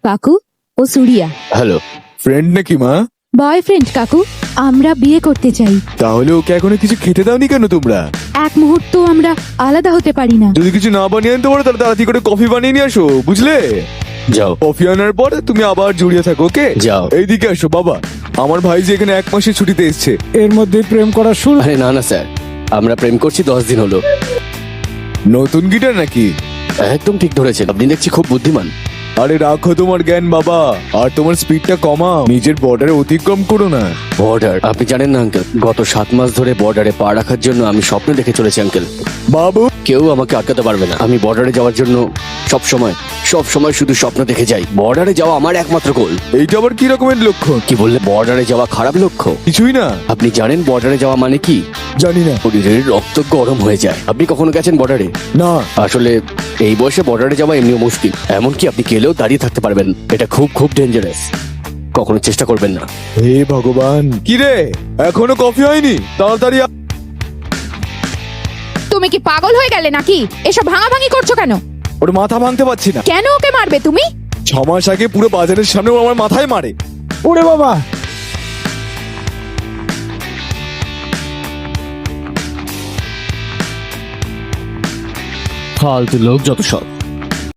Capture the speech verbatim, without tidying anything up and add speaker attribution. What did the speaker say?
Speaker 1: কাকু ও Surya.
Speaker 2: Hello.
Speaker 3: Friend নাকি মা?
Speaker 1: বয়ফ্রেন্ড কাকু, আমরা বিয়ে করতে চাই।
Speaker 3: তাহলে ওকে এখনো কিছু খেতে দাওনি কেন তোমরা?
Speaker 1: এক মুহূর্ত আমরা আলাদা হতে পারি না।
Speaker 3: যদি কিছু না বানিয়ে আনতে পারো তাহলে তাড়াতাড়ি করে কফি বানিয়ে নিয়ে আসো, বুঝলে?
Speaker 2: যাও।
Speaker 3: কফি আনার পর তুমি আবার জড়িয়ে থাকো, ওকে?
Speaker 2: যাও।
Speaker 3: এইদিকে আসো বাবা, আমার ভাই যে এখানে এক মাসের ছুটিতে এসছে।
Speaker 4: এর মধ্যে প্রেম করা শুরু?
Speaker 2: আরে না না স্যার, আমরা প্রেম করছি দশ দিন হলো।
Speaker 3: নতুন গিটার নাকি?
Speaker 2: একদম ঠিক ধরেছেন, আপনি দেখছি খুব বুদ্ধিমান।
Speaker 3: আরে রাখো তোমার জ্ঞান বাবা, আর তোমার স্পিডটা কমাও, নিজের বর্ডারে অতিক্রম করো না।
Speaker 2: বর্ডার? আপনি জানেন না আঙ্কেল, গত সাত মাস ধরে বর্ডারে পা রাখার জন্য আমি স্বপ্ন দেখে চলেছি আঙ্কেল।
Speaker 3: বাবু,
Speaker 2: কেউ আমাকে আটকাতে পারবে না। আমি বর্ডারে যাওয়ার জন্য সব সময় সব সময় শুধু স্বপ্ন দেখে যাই। বর্ডারে যাওয়া আমার একমাত্র গোল।
Speaker 3: এইটা আবার কি রকমের লক্ষ্য?
Speaker 2: কি বললে? বর্ডারে যাওয়া খারাপ লক্ষ্য?
Speaker 3: কিছুই না।
Speaker 2: আপনি জানেন বর্ডারে যাওয়া মানে কি?
Speaker 3: জানি না।
Speaker 2: শরীরের রক্ত গরম হয়ে যায়। আপনি কখনো গেছেন বর্ডারে?
Speaker 3: না।
Speaker 2: আসলে এই বয়সে বর্ডারে যাওয়া এমনিও মুশকিল, এমনকি আপনি গেলেও দাঁড়িয়ে থাকতে পারবেন। এটা খুব খুব ডেঞ্জারাস, কখনো চেষ্টা করবেন না।
Speaker 3: হে ভগবান, কি রে এখনো কফি হয়নি? তাড়াতাড়ি আ-
Speaker 5: তুমি কি পাগল হয়ে গেলে নাকি? এসব ভাঙাভাঙি করছো কেন?
Speaker 3: ওর মাথা ভাঙতে পারছি না।
Speaker 5: কেন ওকে মারবে তুমি?
Speaker 3: ছ মাস আগে পুরো বাজারের সামনে ও আমার মাথায় মারে।
Speaker 4: ওরে বাবা!
Speaker 2: ফালতু লোক যত সব।